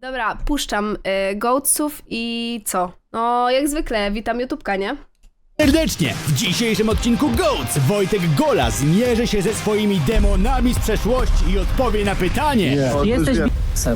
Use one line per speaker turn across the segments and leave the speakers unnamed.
Dobra, puszczam gołców i co? No, jak zwykle, witam YouTubka, nie?
Serdecznie! W dzisiejszym odcinku GOATS Wojtek Gola zmierzy się ze swoimi demonami z przeszłości i odpowie na pytanie.
Jesteś b***sem.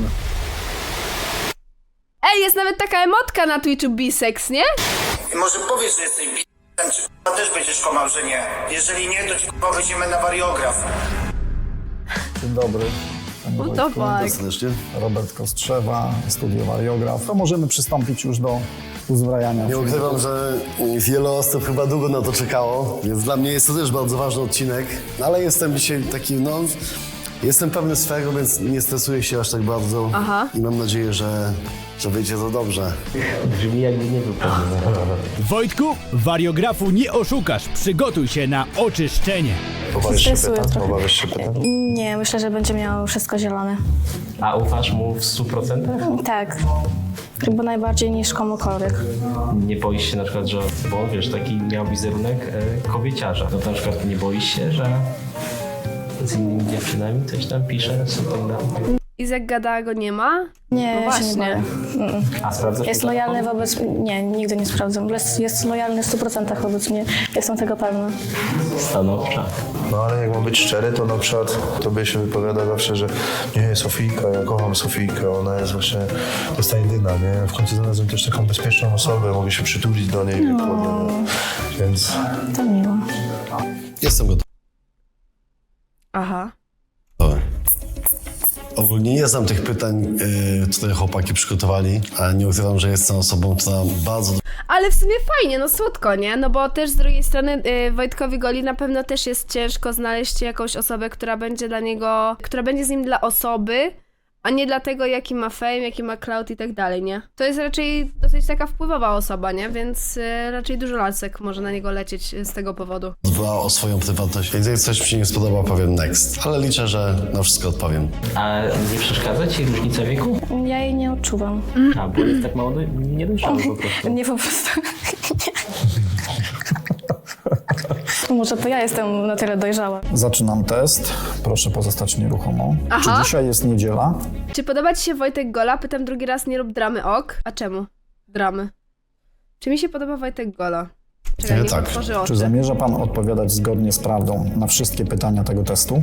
Ej, jest nawet taka emotka na Twitchu bisex, nie?
I może powiesz, że jesteś b***em, czy k***a też będziesz kłamał, że nie. Jeżeli nie, to ci k***a weźmiemy na wariograf.
Dzień dobry. Panie
No to
Wojtku.
tak.
Serdecznie.
Robert Kostrzewa, studio Wariograf. To możemy przystąpić już do uzbrajania.
Nie ukrywam, że wiele osób chyba długo na to czekało, więc dla mnie jest to też bardzo ważny odcinek. Ale jestem dzisiaj taki, jestem pewny swego, więc nie stresuję się aż tak bardzo.
Aha.
I mam nadzieję, że wyjdzie to dobrze.
Brzmi jakby nie był pewny.
Wojtku, wariografu nie oszukasz. Przygotuj się na oczyszczenie.
Stresuję trochę. Nie, myślę, że będzie miał wszystko zielone.
A ufasz mu w 100%?
Tak. Chyba najbardziej niż komukolwiek.
Nie boisz się na przykład, że bo wiesz, taki miał wizerunek kobieciarza. No to na przykład nie boisz się, że z innymi dziewczynami coś tam pisze, something tam.
Izak Gada go nie ma?
Nie,
No
ja się nie
właśnie.
boję.
A sprawdzasz
Jest
mi
lojalny
telefon?
wobec... Nie, nigdy nie sprawdzam. Jest lojalny w 100% wobec mnie. Jestem tego pewna.
Stanowcza.
No ale jak mam być szczery, to na przykład tobie się wypowiada zawsze, że nie, Sofijka, ja kocham Sofijkę, ona jest właśnie, to jest ta jedyna, nie? W końcu znalazłem też taką bezpieczną osobę, mogę się przytulić do niej, więc...
To miło.
Jestem gotowy.
Aha.
Ogólnie nie znam tych pytań, które chłopaki przygotowali, ale nie ukrywam, że jestem osobą, która bardzo
Ale w sumie fajnie, no słodko, nie? No bo też z drugiej strony Wojtkowi Goli na pewno też jest ciężko znaleźć jakąś osobę, która będzie dla niego, która będzie z nim dla osoby, a nie dlatego, jaki ma fame, jaki ma clout i tak dalej, nie? To jest raczej dosyć taka wpływowa osoba, nie? Więc raczej dużo lasek może na niego lecieć z tego powodu.
dba o swoją prywatność, więc jak coś mi się nie spodoba, powiem next. Ale liczę, że na wszystko odpowiem.
A nie przeszkadza ci różnica wieku?
Ja jej nie odczuwam.
A, bo jest tak mało niedojrzały po prostu.
Nie po prostu. Może to ja jestem na tyle dojrzała.
Zaczynam test. Proszę pozostać nieruchomo.
Aha.
Czy dzisiaj jest niedziela?
Czy podoba ci się Wojtek Gola? Pytam drugi raz, nie rób dramy, ok? A czemu? Dramy. Czy mi się podoba Wojtek Gola? Czekaj, niech
Tak.
otworzy oczy.
Czy zamierza pan odpowiadać zgodnie z prawdą na wszystkie pytania tego testu?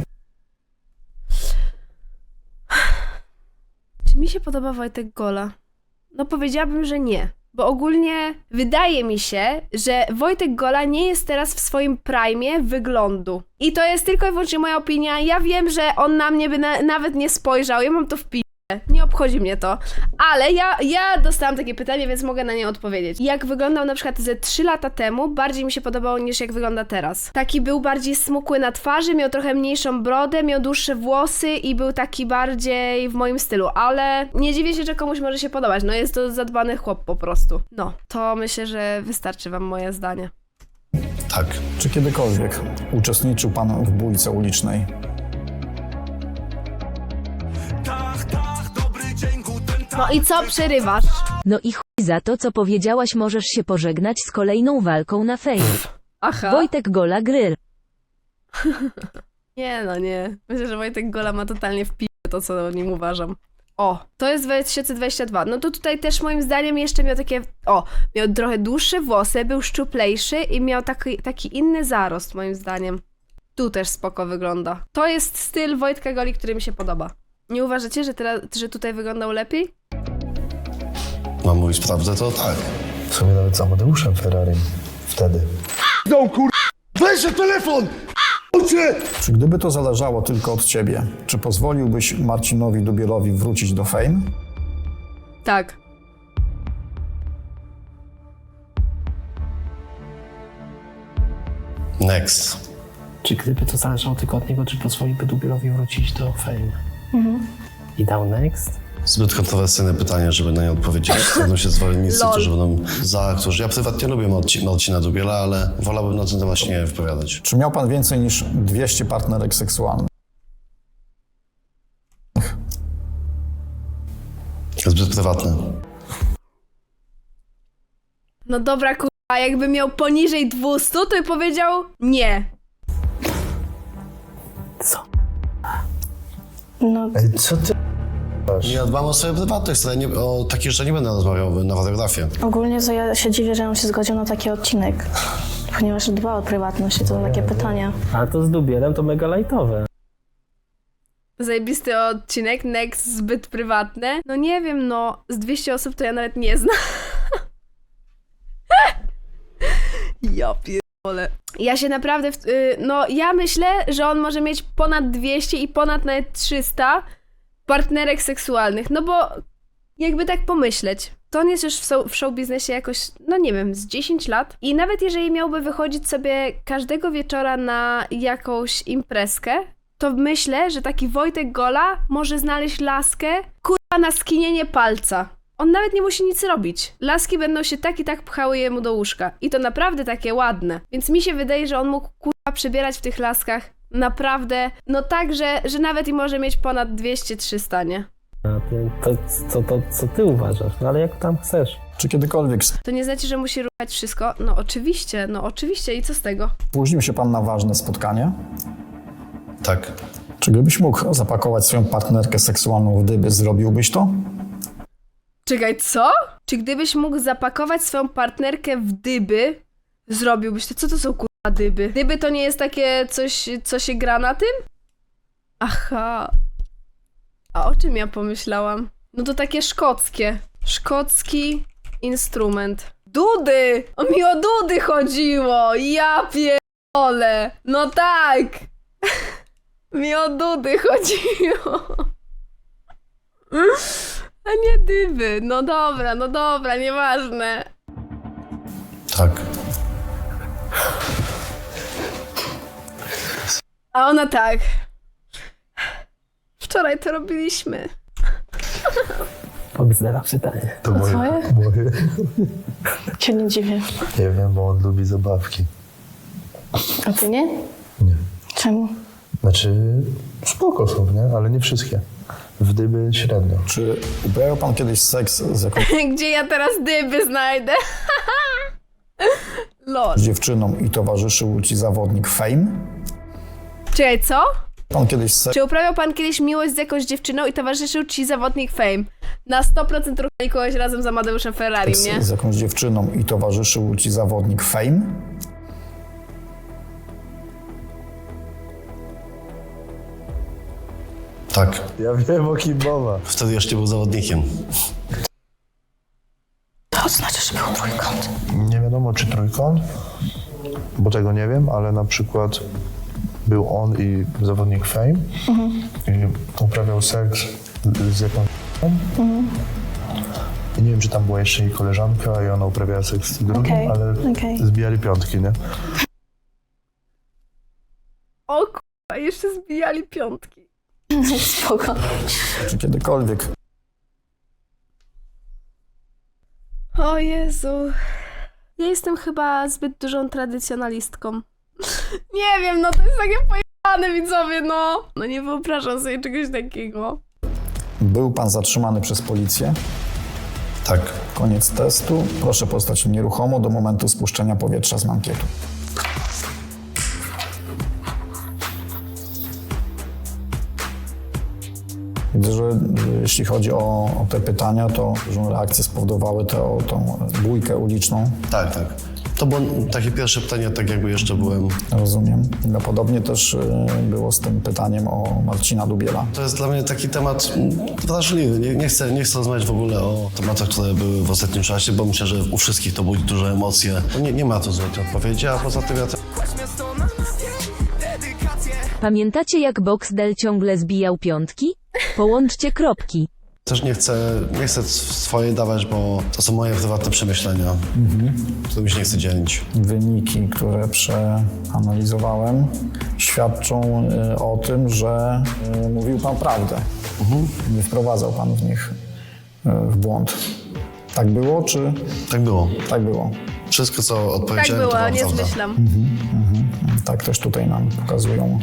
Czy mi się podoba Wojtek Gola? No powiedziałabym, że nie. Bo ogólnie wydaje mi się, że Wojtek Gola nie jest teraz w swoim prime wyglądu. I to jest tylko i wyłącznie moja opinia. Ja wiem, że on na mnie by nawet nie spojrzał. Ja mam to w pi***e. Nie obchodzi mnie to. Ale ja dostałam takie pytanie, więc mogę na nie odpowiedzieć. Jak wyglądał na przykład ze 3 lata temu, bardziej mi się podobało niż jak wygląda teraz. Taki był bardziej smukły na twarzy, miał trochę mniejszą brodę, miał dłuższe włosy i był taki bardziej w moim stylu. Ale nie dziwię się, że komuś może się podobać. No jest to zadbany chłop po prostu. No, to myślę, że wystarczy wam moje zdanie.
Tak.
Czy kiedykolwiek uczestniczył pan w bójce ulicznej?
No i co przerywasz?
No i chuj za to, co powiedziałaś, możesz się pożegnać z kolejną walką na Fame.
Aha.
Wojtek Gola Grill.
Nie, no nie. Myślę, że Wojtek Gola ma totalnie w to, co o nim uważam. O, to jest 2022. No to tutaj też moim zdaniem jeszcze miał takie... O, miał trochę dłuższe włosy, był szczuplejszy i miał taki inny zarost, moim zdaniem. Tu też spoko wygląda. To jest styl Wojtka Goli, który mi się podoba. Nie uważacie, że tutaj wyglądał lepiej?
Mam mówić prawdę, to tak.
W sumie nawet z Amadeuszem Ferrari wtedy.
Czy gdyby to zależało tylko od ciebie, czy pozwoliłbyś Marcinowi Dubielowi wrócić do Fame?
Tak.
Next.
Czy gdyby to zależało tylko od niego, czy pozwoliłby Dubielowi wrócić do Fame? I dał next?
Zbyt kontrowersyjne pytanie, żeby na nie odpowiedzieć. Będą się zwolennicy,
Lol.
którzy będą za, którzy... Ja prywatnie lubię Marcina Dubiela, ale wolałbym na ten temat się nie wypowiadać.
Czy miał pan więcej niż 200 partnerek seksualnych?
Zbyt prywatne.
No dobra, kurwa, jakby miał poniżej 200, to by powiedział nie.
Co?
No,
Ej, co ty dbasz.
Ja dbam o swoją prywatność, ale o takich rzeczach nie będę rozmawiał na fotografie.
Ogólnie to ja się dziwię, że on się zgodził na taki odcinek, ponieważ dba o prywatność i to takie pytania.
A to z Dubielem to mega lajtowe.
Zajebisty odcinek, next zbyt prywatne. No nie wiem, no z 200 osób to ja nawet nie znam. Ja pierdolę. Ja się naprawdę, no ja myślę, że on może mieć ponad 200 i ponad nawet 300 partnerek seksualnych, no bo jakby tak pomyśleć, to on jest już w show biznesie jakoś, no nie wiem, z 10 lat i nawet jeżeli miałby wychodzić sobie każdego wieczora na jakąś imprezkę, to myślę, że taki Wojtek Gola może znaleźć laskę, kurwa, na skinienie palca. On nawet nie musi nic robić. Laski będą się tak i tak pchały jemu do łóżka. I to naprawdę takie ładne. Więc mi się wydaje, że on mógł, kurwa, przebierać w tych laskach naprawdę, no tak, że nawet i może mieć ponad 200-300, nie?
A ty, co ty uważasz? No ale jak tam chcesz?
Czy kiedykolwiek
To nie znaczy, że musi ruchać wszystko? No oczywiście i co z tego?
spóźnił się pan na ważne spotkanie?
Tak.
Czy gdybyś mógł zapakować swoją partnerkę seksualną w dyby, zrobiłbyś to?
Czekaj, co? Czy gdybyś mógł zapakować swoją partnerkę w dyby, zrobiłbyś to? Co to są, kurwa, dyby? Dyby to nie jest takie coś, co się gra na tym? Aha. A o czym ja pomyślałam? No to takie szkockie. Szkocki instrument. Dudy! O mi o dudy chodziło! Ja pierdolę! No tak! Mi o dudy chodziło. A nie dyby. No dobra, nieważne.
Tak.
A ona tak. Wczoraj to robiliśmy.
Powiedz pytanie.
To moje.
Twoje?
moje.
Cię nie dziwię.
Nie wiem, bo on lubi zabawki.
A ty nie?
Nie.
Czemu?
Znaczy, spoko są, nie? Ale nie wszystkie. W dyby średnio.
Czy uprawiał pan kiedyś seks z jakąś
Gdzie ja teraz dyby znajdę? Lol.
dziewczyną i towarzyszył ci zawodnik Fame?
Czekaj, co?
Pan kiedyś seks
Czy uprawiał pan kiedyś miłość z jakąś dziewczyną i towarzyszył ci zawodnik Fame? Na 100% ruchali kogoś razem z Amadeuszem Ferrari, nie?
z jakąś dziewczyną i towarzyszył ci zawodnik Fame?
Tak.
Ja wiem o kim mowa.
Wtedy jeszcze był zawodnikiem.
To znaczy, że był trójkąt.
Nie wiadomo czy trójkąt, bo tego nie wiem, ale na przykład był on i zawodnik Fame i uprawiał seks z jakąś i nie wiem, czy tam była jeszcze jej koleżanka i ona uprawiała seks z drugim,
Okej,
ale
okej.
zbijali piątki, nie?
O kurwa, jeszcze zbijali piątki.
Spoko.
Czy kiedykolwiek
O Jezu. Ja jestem chyba zbyt dużą tradycjonalistką. Nie wiem, no to jest takie pojebane, widzowie, no. No nie wyobrażam sobie czegoś takiego.
był pan zatrzymany przez policję?
Tak.
Koniec testu. Proszę pozostać nieruchomo do momentu spuszczenia powietrza z mankietu. Widzę, że jeśli chodzi o te pytania, to dużą reakcję spowodowały tą bójkę uliczną.
Tak, tak. To było takie pierwsze pytanie, tak jakby jeszcze byłem.
Rozumiem. No, podobnie też było z tym pytaniem o Marcina Dubiela.
To jest dla mnie taki temat wrażliwy. Nie chcę rozmawiać w ogóle o tematach, które były w ostatnim czasie, bo myślę, że u wszystkich to budzi duże emocje. Nie ma tu złotej odpowiedzi, a poza tym ja
Pamiętacie jak Boxdel ciągle zbijał piątki? Połączcie kropki.
też nie chcę swoje dawać, bo to są moje prywatne przemyślenia, którymi się nie chcę dzielić.
Wyniki, które przeanalizowałem, świadczą o tym, że mówił pan prawdę. Nie wprowadzał pan w nich w błąd. Tak było, czy?
Tak było.
Tak było.
Wszystko, co
Tak
odpowiedziałem, to
było,
była
nie
prawda.
zmyślam.
Tak też tutaj nam pokazują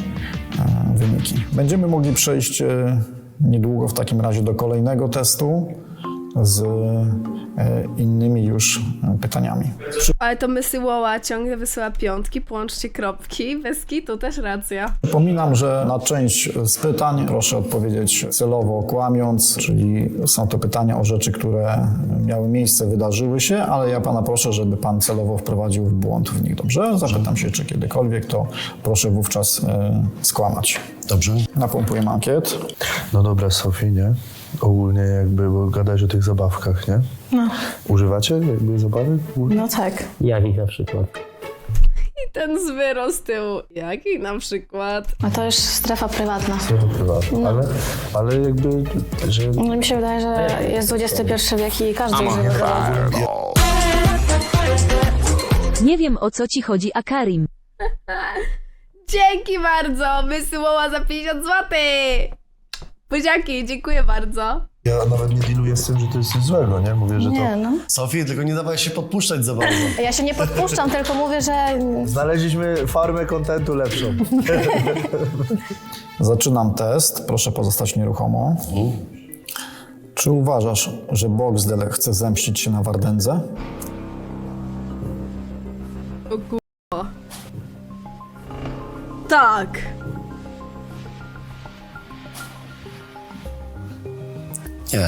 wyniki. Będziemy mogli przejść niedługo w takim razie do kolejnego testu. z innymi już pytaniami.
Ale to Mysyłoła ciągle wysyła piątki, połączcie kropki. Bez kitu też racja.
Przypominam, że na część z pytań proszę odpowiedzieć celowo kłamiąc, czyli są to pytania o rzeczy, które miały miejsce, wydarzyły się, ale ja pana proszę, żeby pan celowo wprowadził w błąd w nich, dobrze? Zapytam się, czy kiedykolwiek, to proszę wówczas skłamać.
Dobrze?
Napompujemy ankiet.
No dobra, Sofii, nie? Ogólnie jakby, bo gadać o tych zabawkach, nie?
No.
Używacie jakby zabawek?
No tak.
Jakich na przykład?
I ten zwyro z tyłu. Jaki na przykład?
A to już strefa prywatna.
Prywatne. Ale jakby, że...
No mi się wydaje, że jest XXI wiek i każdy używa zabawki.
Nie wiem o co ci chodzi, Akarim.
Dzięki bardzo! Mysyłoła za 50 zł! Buziaki, dziękuję bardzo.
Ja nawet nie dealuję z tym, że to jest coś złego, nie? Mówię, że to...
Nie, no.
Sofii, tylko nie dawaj się podpuszczać za bardzo.
Ja się nie podpuszczam, tylko mówię, że
Znaleźliśmy farmę kontentu lepszą.
Zaczynam test. Proszę pozostać nieruchomo. Czy uważasz, że Boxdel chce zemścić się na Wardędze?
O kurwa. Tak!
Nie.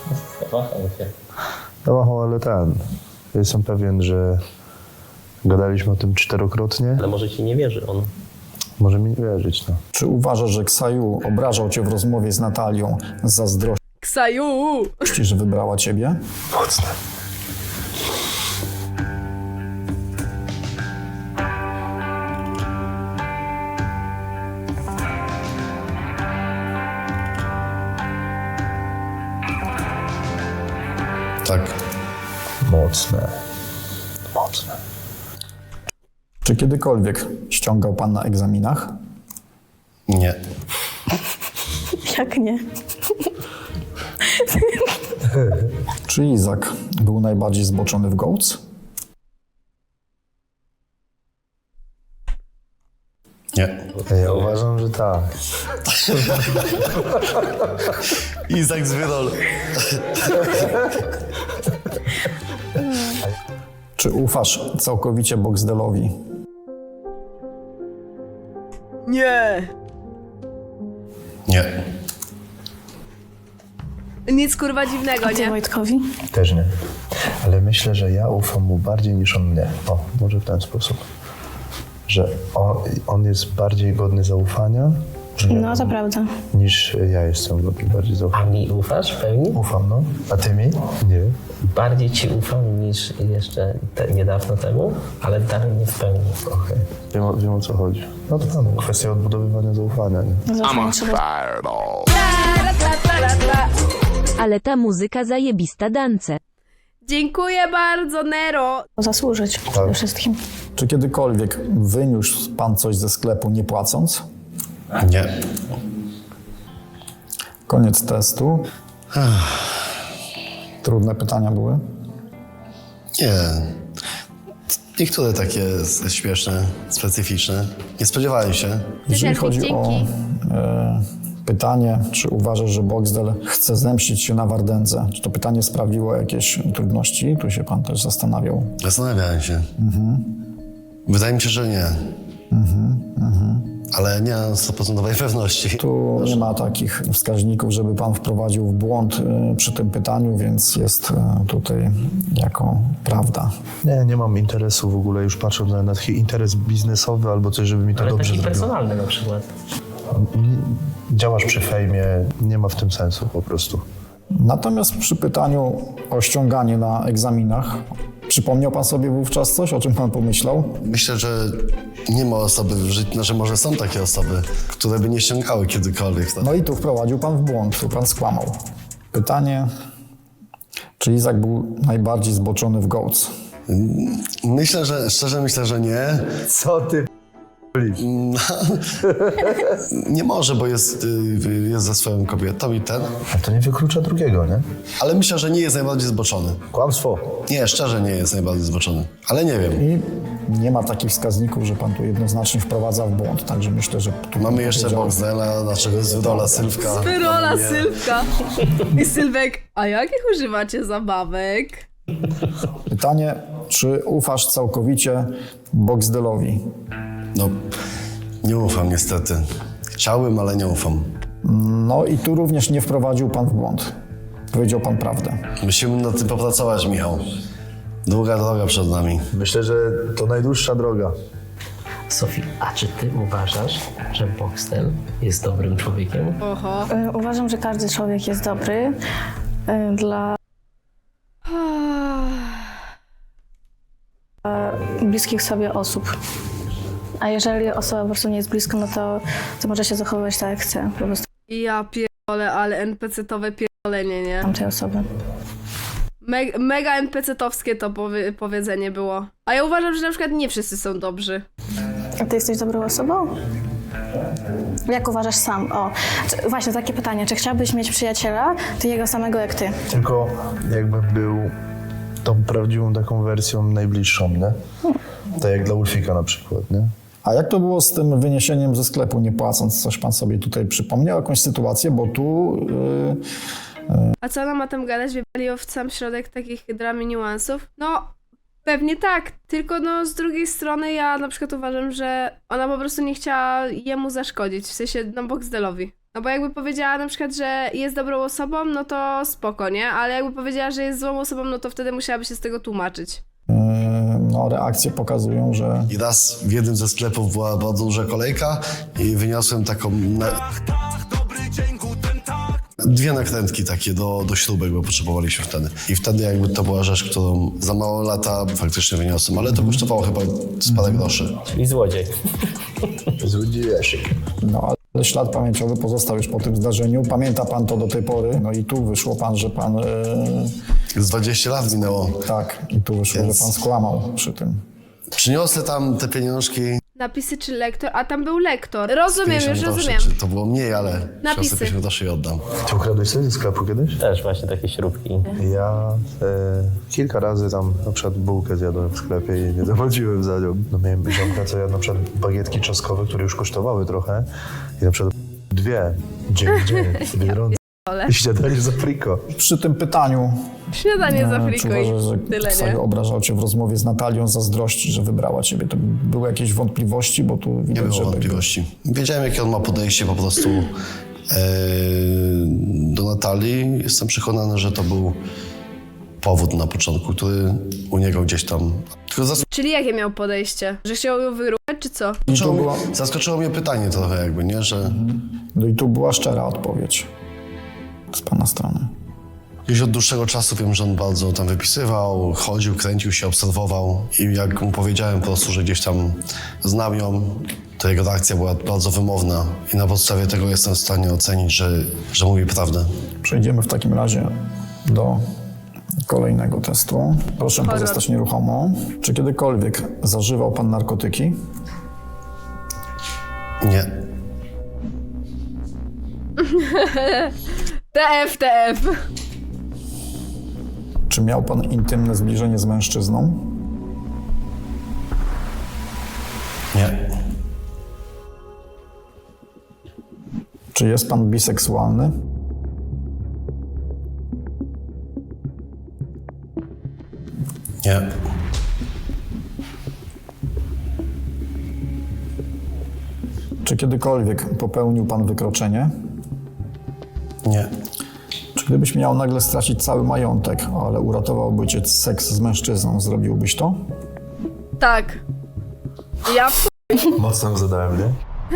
No, ale jestem pewien, że gadaliśmy o tym 4-krotnie.
Ale może ci nie wierzy on.
Może mi nie wierzyć, no.
Czy uważasz, że Ksaju obrażał cię w rozmowie z Natalią z zazdrości,
Ksaju!
że wybrała ciebie?
Mocne.
Tak.
Mocne. Mocne.
Czy kiedykolwiek ściągał pan na egzaminach?
Nie.
jak nie?
Czy Izak był najbardziej zboczony w Goats?
Nie.
Ja uważam, że tak.
Izak z Wyrol.
Czy ufasz całkowicie Boxdelowi?
Nie!
Nie.
Nic kurwa dziwnego,
A ty
nie?
Wojtkowi?
Też nie. Ale myślę, że ja ufam mu bardziej niż on mnie. O, może w ten sposób. Że on jest bardziej godny zaufania
No to prawda.
niż ja jestem godny bardziej
A
zaufania.
mi ufasz w pełni?
Ufam, no. A ty mi? Nie.
Bardziej ci ufam niż jeszcze niedawno temu, ale dalej nie w pełni.
Okej. Wiem o co chodzi. No to tam kwestia odbudowywania zaufania, nie?
Zaufanie trzeba
Ale ta muzyka zajebista dance.
Dziękuję bardzo, Nero!
zasłużyć przede wszystkim.
Czy kiedykolwiek wyniósł pan coś ze sklepu nie płacąc?
Nie.
Koniec testu. Trudne pytania były?
Nie. Niektóre takie śmieszne, specyficzne. Nie spodziewałem się.
Jeżeli
Dzięki,
chodzi o
dzięki.
pytanie, czy uważasz, że Boxdel chce zemścić się na Wardędze? Czy to pytanie sprawiło jakieś trudności? Tu się pan też zastanawiał.
Zastanawiałem się. Wydaje mi się, że nie. Ale nie mam 100% pewności.
Tu nie ma takich wskaźników, żeby pan wprowadził w błąd przy tym pytaniu, więc jest tutaj jako prawda.
Nie mam interesu w ogóle, już patrząc na taki interes biznesowy albo coś, żeby mi to
Ale
dobrze
taki
zrobiło.
personalny na przykład.
Działasz przy fejmie, nie ma w tym sensu po prostu.
Natomiast przy pytaniu o ściąganie na egzaminach, przypomniał pan sobie wówczas coś, o czym pan pomyślał?
Myślę, że nie ma osoby w życiu, znaczy może są takie osoby, które by nie ściągały kiedykolwiek. Tak?
No i tu wprowadził pan w błąd, tu pan skłamał. Pytanie, czy Izak był najbardziej zboczony w Goats?
Myślę, że szczerze myślę, że nie.
Co ty?
Nie może, bo jest ze swoją kobietą i ten.
A to nie wyklucza drugiego, nie?
Ale myślę, że nie jest najbardziej zboczony.
Kłamstwo.
Nie, szczerze nie jest najbardziej zboczony. Ale nie wiem.
I nie ma takich wskaźników, że pan tu jednoznacznie wprowadza w błąd. Także myślę, że tu
Mamy jeszcze
powiedział-
Boxdela, naszego Zwyrola, Sylwka.
Wyrola Sylwka. I Sylwek, a jakich używacie zabawek?
Pytanie, czy ufasz całkowicie Boxdelowi?
No, nie ufam niestety. Chciałbym, ale nie ufam.
No i tu również nie wprowadził pan w błąd. Powiedział pan prawdę.
Musimy nad tym popracować, Michał. Długa droga przed nami.
Myślę, że to najdłuższa droga.
Sofii, a czy ty uważasz, że Boxtel jest dobrym człowiekiem?
Oho.
Uważam, że każdy człowiek jest dobry dla bliskich sobie osób. A jeżeli osoba po prostu nie jest blisko, no to może się zachowywać tak, jak chce. Po prostu
Ja pierdolę, ale NPC-towe pierdolenie, nie?
tamtej osoby.
Mega NPC-towskie to powiedzenie było. A ja uważam, że na przykład nie wszyscy są dobrzy.
A ty jesteś dobrą osobą? Jak uważasz sam? O, właśnie takie pytanie. Czy chciałbyś mieć przyjaciela, takiego samego jak ty?
Tylko jakbym był tą prawdziwą taką wersją najbliższą, nie? Tak jak dla Ulfika na przykład, nie?
A jak to było z tym wyniesieniem ze sklepu, nie płacąc? Coś pan sobie tutaj przypomniał, jakąś sytuację, bo tu...
A co ona ma tam gadać? Wjebali w sam środek takich dram i niuansów? No, pewnie tak. Tylko no z drugiej strony ja na przykład uważam, że ona po prostu nie chciała jemu zaszkodzić. W sensie, no Boxdelowi. No bo jakby powiedziała na przykład, że jest dobrą osobą, no to spoko, nie? Ale jakby powiedziała, że jest złą osobą, no to wtedy musiałaby się z tego tłumaczyć.
no, reakcje pokazują, że
I raz w jednym ze sklepów była bardzo duża kolejka i wyniosłem taką... Dwie nakrętki takie do śrubek, bo potrzebowaliśmy wtedy. I wtedy jakby to była rzecz, którą za mało lata faktycznie wyniosłem, ale to kosztowało chyba z parę groszy.
Czyli złodziej.
Złodziejesz.
no, ale ślad pamięciowy pozostał już po tym zdarzeniu. Pamięta pan to do tej pory. No i tu wyszło pan, że pan...
Z 20 lat minęło.
tak, i tu wyszło,
Więc-
że pan skłamał przy tym.
Przyniosę tam te pieniążki.
Napisy czy lektor? A tam był lektor. Rozumiem,
50
już
groszy,
rozumiem.
czy to było mniej, ale
Napisy.
przyniosę 50 groszy i oddam.
Ty ukradłeś sobie ze sklepu kiedyś?
Też właśnie takie śrubki.
Ja kilka razy tam na przykład bułkę zjadłem w sklepie i nie zapłaciłem za nią. No miałem ziomka, co jadł na przykład bagietki czosnkowe, które już kosztowały trochę i na przykład dwie dzień w Biedronce. I śniadanie za friko.
Przy tym pytaniu,
Śniadanie za
czy
friko
uważasz, że
i tyle,
ktoś
nie?
obrażał cię w rozmowie z Natalią, zazdrości, że wybrała ciebie? To były jakieś wątpliwości, bo tu
Nie
widać,
było
że...
wątpliwości. Wiedziałem, jakie on ma podejście po prostu do Natalii. Jestem przekonany, że to był powód na początku, który u niego gdzieś tam... Tylko
Czyli jakie miał podejście? Że chciał ją wyruchać, czy co?
zaskoczyło mnie pytanie trochę jakby, nie? Że
No i tu była szczera odpowiedź z pana strony.
gdzieś od dłuższego czasu wiem, że on bardzo tam wypisywał, chodził, kręcił się, obserwował i jak mu powiedziałem po prostu, że gdzieś tam znam ją, to jego reakcja była bardzo wymowna i na podstawie tego jestem w stanie ocenić, że mówi prawdę.
Przejdziemy w takim razie do kolejnego testu. Proszę
Horror.
pozostać nieruchomo. Czy kiedykolwiek zażywał pan narkotyki?
Nie.
TF.
Czy miał pan intymne zbliżenie z mężczyzną?
Nie.
Czy jest pan biseksualny?
Nie.
Czy kiedykolwiek popełnił pan wykroczenie?
Nie.
Czy gdybyś miał nagle stracić cały majątek, ale uratowałby cię seks z mężczyzną, zrobiłbyś to?
Tak. Ja
Mocno zadałem, nie?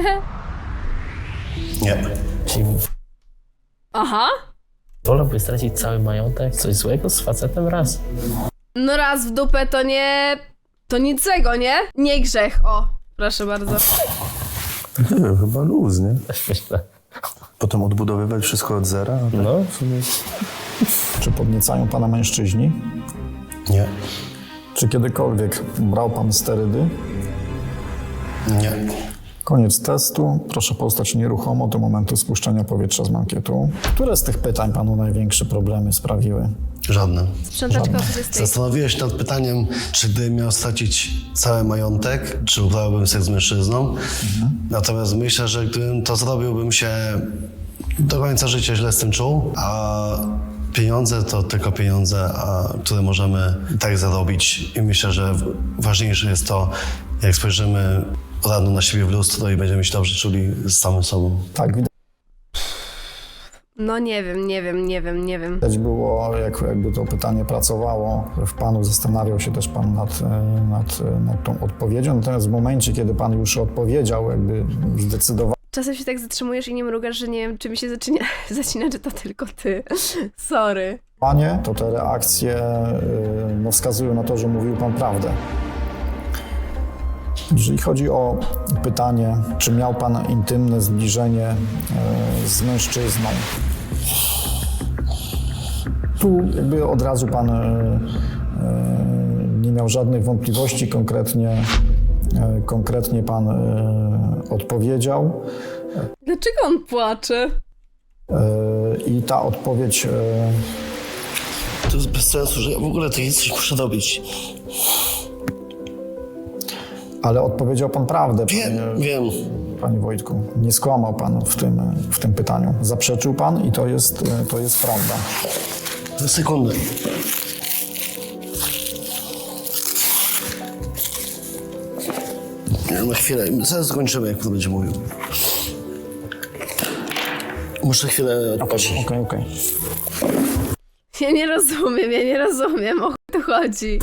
Nie.
Czyli
Aha.
wolałby stracić cały majątek? Coś złego z facetem raz?
No raz w dupę to nie... To nic złego, nie? Nie grzech, o. Proszę bardzo.
Nie wiem, chyba luz, nie?
Też myślę.
Potem odbudowywać wszystko od zera? No.
No,
W sumie...
Czy podniecają pana mężczyźni?
Nie.
Czy kiedykolwiek brał pan sterydy?
Nie.
Koniec testu. Proszę pozostać nieruchomo do momentu spuszczenia powietrza z mankietu. Które z tych pytań panu największe problemy sprawiły?
Żadne.
Sprzątaczka o 20.
Zastanowiłem się nad pytaniem, czy gdybym miał stracić cały majątek, czy uprawiałbym seks z mężczyzną. Natomiast myślę, że gdybym to zrobił, bym się do końca życia źle z tym czuł, a pieniądze to tylko pieniądze, które możemy tak zarobić. I myślę, że ważniejsze jest to, jak spojrzymy rano na siebie w lustro i będziemy się dobrze czuli z samym sobą.
Tak,
No nie wiem.
widać było, jakby to pytanie pracowało w panu, zastanawiał się też pan nad tą odpowiedzią. Natomiast w momencie, kiedy pan już odpowiedział, jakby zdecydował,
Czasem się tak zatrzymujesz i nie mrugasz, że nie wiem, czy mi się zacina, czy to tylko ty. Sorry.
to te reakcje wskazują na to, że mówił pan prawdę. Jeżeli chodzi o pytanie, czy miał pan intymne zbliżenie z mężczyzną, tu jakby od razu pan nie miał żadnych wątpliwości, konkretnie pan odpowiedział.
Dlaczego on płacze?
I ta odpowiedź
To jest bez sensu, że ja w ogóle takie coś muszę robić.
ale odpowiedział pan prawdę,
Wiem.
panie Wojtku. Nie skłamał pan w tym pytaniu. Zaprzeczył pan i to jest prawda.
Za sekundę. Na chwilę, zaraz skończymy, jak pan będzie mówił. Muszę chwilę odpocząć.
Okej.
Ja nie rozumiem, o chuj tu chodzi.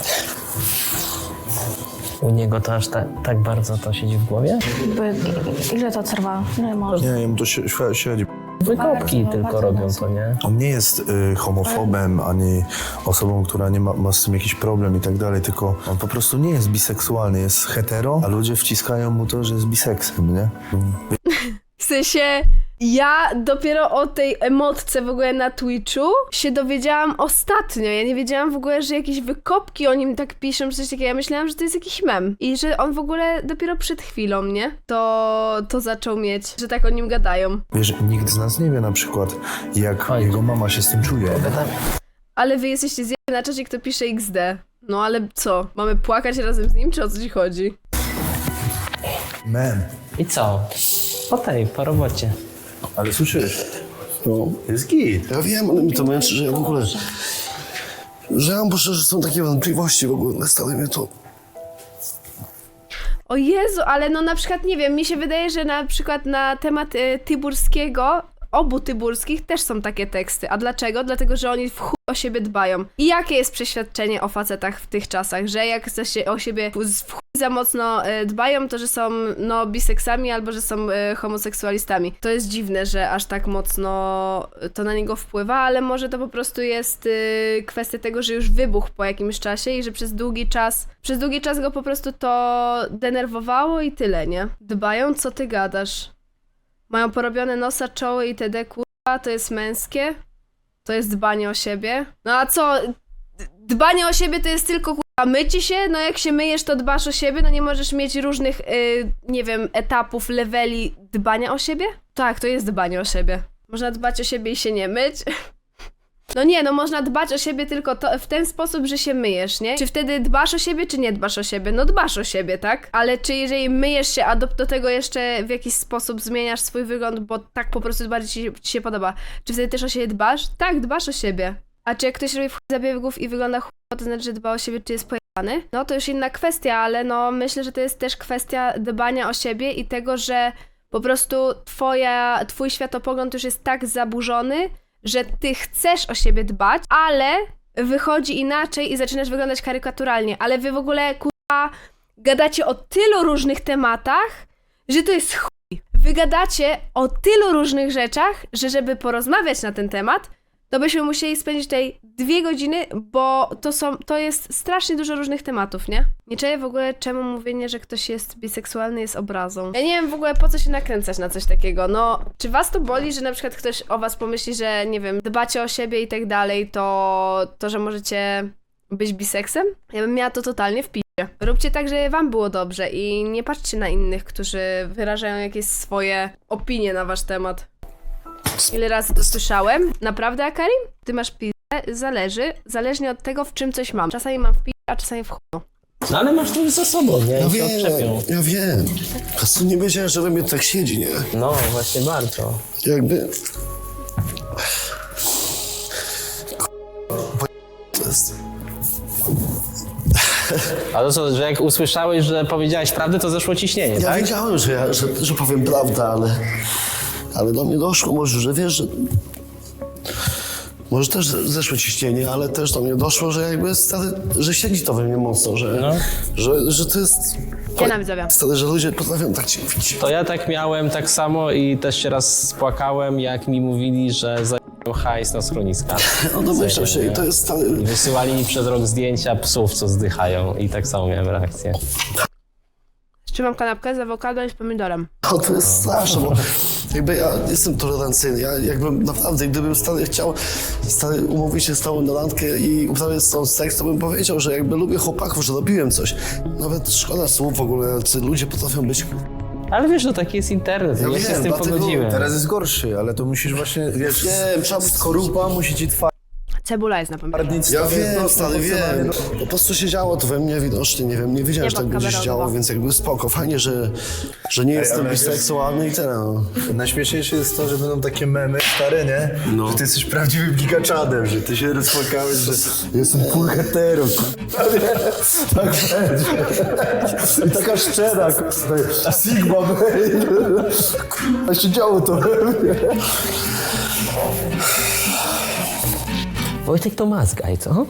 U niego to aż tak bardzo to siedzi w głowie?
Ile to trwa? Ile może?
Nie, jemu to średzi.
Wykopki tylko robią to, nie?
On nie jest homofobem, ani osobą, która nie ma z tym jakiś problem i tak dalej, tylko on po prostu nie jest biseksualny, jest hetero, a ludzie wciskają mu to, że jest biseksem, nie?
W sensie, ja dopiero o tej emotce w ogóle na Twitchu się dowiedziałam ostatnio. Ja nie wiedziałam w ogóle, że jakieś wykopki o nim tak piszą, czy coś takiego. Ja myślałam, że to jest jakiś mem. I że on w ogóle dopiero przed chwilą, nie? To zaczął mieć, że tak o nim gadają.
Wiesz, nikt z nas nie wie na przykład, jak jego mama się z tym czuje.
Ale wy jesteście zjebani na czacie, kto pisze XD. No ale co? Mamy płakać razem z nim, czy o co ci chodzi?
Man.
I co? Po robocie.
Ale słyszysz?
No.
Jest git.
Ja wiem, ale mi to męczy, że ja w ogóle... Że ja muszę, że są takie wątpliwości w ogóle, nastały mnie to...
O Jezu, ale no na przykład, nie wiem, mi się wydaje, że na przykład na temat Tyburskiego, obu Tyburskich też są takie teksty. A dlaczego? Dlatego, że oni w chuj o siebie dbają. I jakie jest przeświadczenie o facetach w tych czasach? Że jak o siebie w chuj za mocno dbają, to że są no biseksami albo że są homoseksualistami. To jest dziwne, że aż tak mocno to na niego wpływa, ale może to po prostu jest kwestia tego, że już wybuchł po jakimś czasie i że przez długi czas go po prostu to denerwowało i tyle, nie? Dbają? Co ty gadasz? Mają porobione nosa, czoły itd. Kurwa, to jest męskie? To jest dbanie o siebie? No a co? Dbanie o siebie to jest tylko kurwa mycie się? No jak się myjesz, to dbasz o siebie? No nie możesz mieć różnych, nie wiem, etapów, leveli dbania o siebie? Tak, to jest dbanie o siebie. Można dbać o siebie i się nie myć. No nie, no można dbać o siebie tylko w ten sposób, że się myjesz, nie? Czy wtedy dbasz o siebie, czy nie dbasz o siebie? No dbasz o siebie, tak? Ale czy jeżeli myjesz się, a do tego jeszcze w jakiś sposób zmieniasz swój wygląd, bo tak po prostu bardziej ci się podoba, czy wtedy też o siebie dbasz? Tak, dbasz o siebie. A czy jak ktoś robi zabiegów i wygląda chujowo, to znaczy, że dba o siebie, czy jest pojebany? No to już inna kwestia, ale no myślę, że to jest też kwestia dbania o siebie i tego, że po prostu twój światopogląd już jest tak zaburzony, że ty chcesz o siebie dbać, ale wychodzi inaczej i zaczynasz wyglądać karykaturalnie. Ale wy w ogóle, kurwa, gadacie o tylu różnych tematach, że to jest chuj. Wy gadacie o tylu różnych rzeczach, że żeby porozmawiać na ten temat, to byśmy musieli spędzić tutaj 2 godziny, bo to jest strasznie dużo różnych tematów, nie? Nie czuję w ogóle, czemu mówienie, że ktoś jest biseksualny jest obrazą. Ja nie wiem w ogóle, po co się nakręcać na coś takiego. No, czy was to boli, że na przykład ktoś o was pomyśli, że nie wiem, dbacie o siebie i tak dalej, to że możecie być biseksem? Ja bym miała to totalnie w Róbcie tak, żeby wam było dobrze i nie patrzcie na innych, którzy wyrażają jakieś swoje opinie na wasz temat. Ile razy to słyszałem? Naprawdę, Akarim? Ty masz pizdę? Zależnie od tego, w czym coś mam. Czasami mam w pizdę, a czasami w chuju.
No ale masz to za sobą, nie? I się odczepią.
Ja wiem. Po prostu nie wiedziałem, że we mnie tak siedzi, nie?
No, właśnie bardzo.
Jakby... To jest...
Ale co, że jak usłyszałeś, że powiedziałeś prawdę, to zeszło ciśnienie,
Ja
tak?
wiedziałem, że powiem prawdę, ale do mnie doszło może, że wiesz, że... Może też zeszło ciśnienie, ale też do mnie doszło, że jakby stary, że siedzi to we mnie mocno, że to jest...
Dzień widzowie.
Stary, że ludzie potrafią tak cię mówić.
To ja tak miałem tak samo i też się raz spłakałem, jak mi mówili, że zajmują hajs na schroniska.
No domyślam się i to jest stary...
I wysyłali mi przez rok zdjęcia psów, co zdychają i tak samo miałem reakcję.
Trzymam kanapkę z awokado i z pomidorem.
O, to jest straszne, bo jakby ja jestem tolerancyjny, ja jakbym naprawdę, gdybym chciał umówić się z tobą na randkę i uprawiać z tą seks, to bym powiedział, że jakby lubię chłopaków, że robiłem coś. Nawet szkoda słów w ogóle, czy ludzie potrafią być...
Ale wiesz, że taki jest internet, ja się z tym
dlatego
pogodziłem.
Teraz jest gorszy, ale to musisz właśnie, wiesz, skorupa musi ci
Cebula jest na pomidorze.
twardnić.
Ja wiem, stary, wiem. Po prostu się działo to we mnie widocznie, nie wiem, nie wiedziałem, że tak będzie się działo, więc jakby spoko, fajnie, że nie jestem
ale
biseksualny i tyle, no.
Najśmieszniejsze jest to, że będą takie memy stare, nie? Że ty jesteś prawdziwym gigaczadem, że ty się rozpłakałeś, że jestem full hetero. Tak będzie. I taka szczera, Sigma, a się działo to we mnie.
Wojtek to mazgaj, co?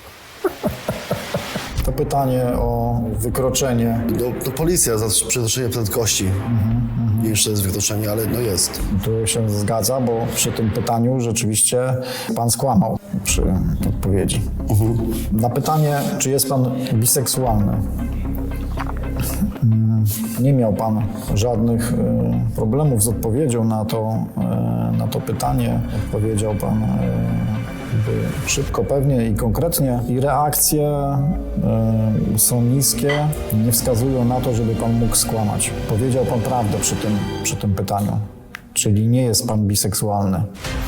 To pytanie o wykroczenie.
To policja za przekroczenie prędkości. Nie jeszcze jest wykroczenie, ale no jest.
Tu się zgadza, bo przy tym pytaniu rzeczywiście pan skłamał przy odpowiedzi. Na pytanie, czy jest pan biseksualny, nie miał pan żadnych problemów z odpowiedzią na to pytanie. Odpowiedział pan szybko, pewnie i konkretnie. I reakcje są niskie, nie wskazują na to, żeby pan mógł skłamać. Powiedział pan prawdę przy tym pytaniu, czyli nie jest pan biseksualny.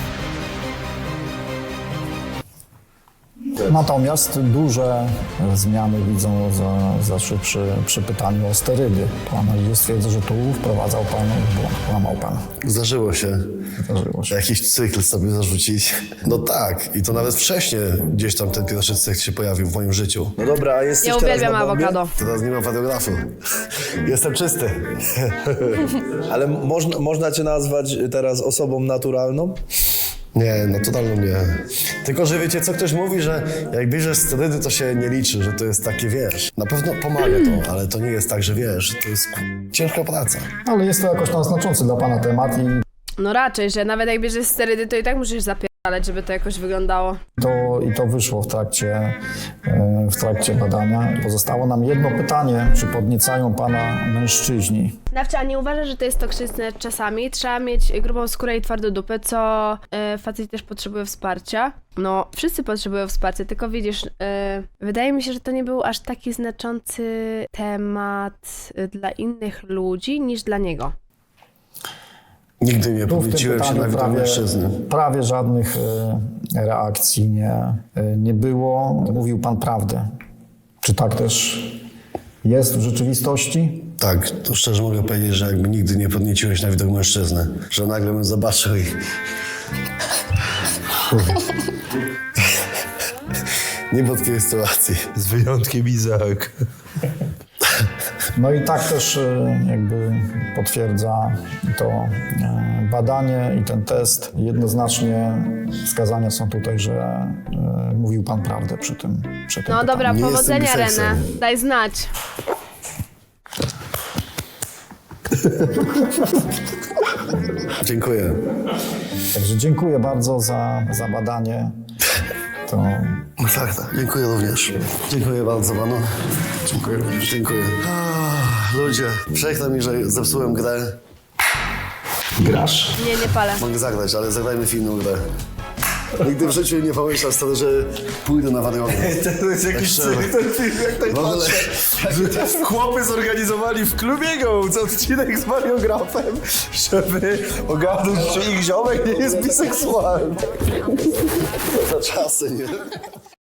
Natomiast duże zmiany widzą zawsze przy pytaniu o sterydy. Po analizie stwierdza, że tu wprowadzał pan w błąd, kłamał pan.
Zdarzyło się.
Zdarzyło się.
Jakiś cykl sobie zarzucić. No tak, i to nawet wcześniej gdzieś tam ten pierwszy cykl się pojawił w moim życiu.
No dobra, a jesteś
Ja
teraz
uwielbiam
na bombie?
awokado.
Teraz nie mam radiografu. Jestem czysty.
Ale można cię nazwać teraz osobą naturalną?
Nie, naturalnie nie. Tylko, że wiecie co, ktoś mówi, że jak bierzesz sterydy, to się nie liczy, że to jest takie, wiesz. Na pewno pomaga to, ale to nie jest tak, że wiesz, to jest ciężka praca.
Ale jest to jakoś tam znaczący dla pana temat i
No raczej, że nawet jak bierzesz sterydy, to i tak musisz zapierdalać, żeby to jakoś wyglądało.
to wyszło w trakcie badania. Pozostało nam jedno pytanie, czy podniecają pana mężczyźni?
Nawcia, a nie uważasz, że to jest toksyczne czasami? Trzeba mieć grubą skórę i twardą dupę, co facet też potrzebuje wsparcia. No, wszyscy potrzebują wsparcia, tylko widzisz, wydaje mi się, że to nie był aż taki znaczący temat dla innych ludzi niż dla niego.
Nigdy nie
Tu w tym
podnieciłem się na widok mężczyzny.
prawie żadnych reakcji nie było. Mówił pan prawdę. Czy tak też jest w rzeczywistości?
Tak, to szczerze mogę powiedzieć, że jakby nigdy nie podnieciłeś na widok mężczyzny. Że nagle bym zobaczył i... Nie było takiej sytuacji.
Z wyjątkiem Izak.
No i tak też jakby potwierdza to badanie i ten test. Jednoznacznie wskazania są tutaj, że mówił pan prawdę przy tym
No
pytaniu.
dobra,
Nie
powodzenia,
jestem
Renę.
biseksem.
Daj znać.
Dziękuję.
Także dziękuję bardzo za badanie. To
No tak, tak. Dziękuję również. Dziękuję bardzo panu. Dziękuję również. Dziękuję. Ludzie, przykro mi, że zepsułem grę.
grasz?
Nie palę.
Mogę zagrać, ale zagrajmy w inną grę. Nigdy w życiu nie pomyślał stary, że pójdę na wariograf.
To jest jakiś
Tak szczerze.
ten film, jak tak
W ogóle-
patrzę, że chłopy zorganizowali w klubie Gołc odcinek z wariografem, żeby ogarnąć, czy ich ziomek nie jest biseksualny.
Za czasy, nie?